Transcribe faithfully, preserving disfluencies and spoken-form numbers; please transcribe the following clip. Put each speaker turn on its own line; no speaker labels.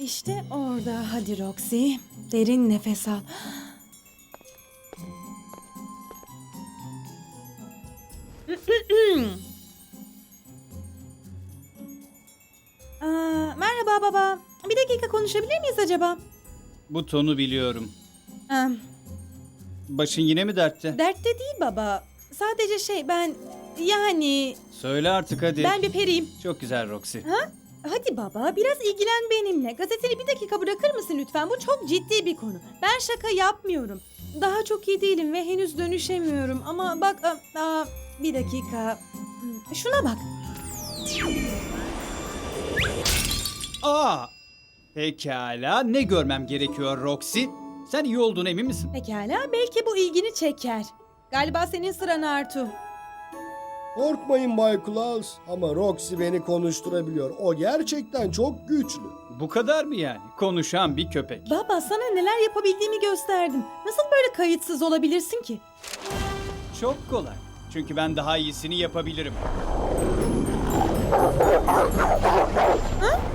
İşte orada. Hadi Roxy. Derin nefes al. Aa, merhaba baba. Bir dakika konuşabilir miyiz acaba?
Bu tonu biliyorum.
Aa,
Başın yine mi dertte?
dertte değil baba. Sadece şey ben yani
Söyle artık hadi.
ben bir periyim.
Çok güzel Roxy.
Ha? Hadi baba biraz ilgilen benimle. Gazeteni bir dakika bırakır mısın lütfen? Bu çok ciddi bir konu. Ben şaka yapmıyorum. Daha çok iyi değilim ve henüz dönüşemiyorum. Ama bak aa, aa, bir dakika. Hmm, Şuna bak.
Aa! Pekala. Ne görmem gerekiyor Roxy? Sen iyi olduğuna emin misin?
Pekala belki bu ilgini çeker. Galiba senin sıran Artu.
Korkmayın Bay Klaus ama Roxy beni konuşturabiliyor. O gerçekten çok güçlü.
Bu kadar mı yani? Konuşan bir köpek.
Baba sana neler yapabildiğimi gösterdim. Nasıl böyle kayıtsız olabilirsin ki?
Çok kolay. Çünkü ben daha iyisini yapabilirim.
Ha?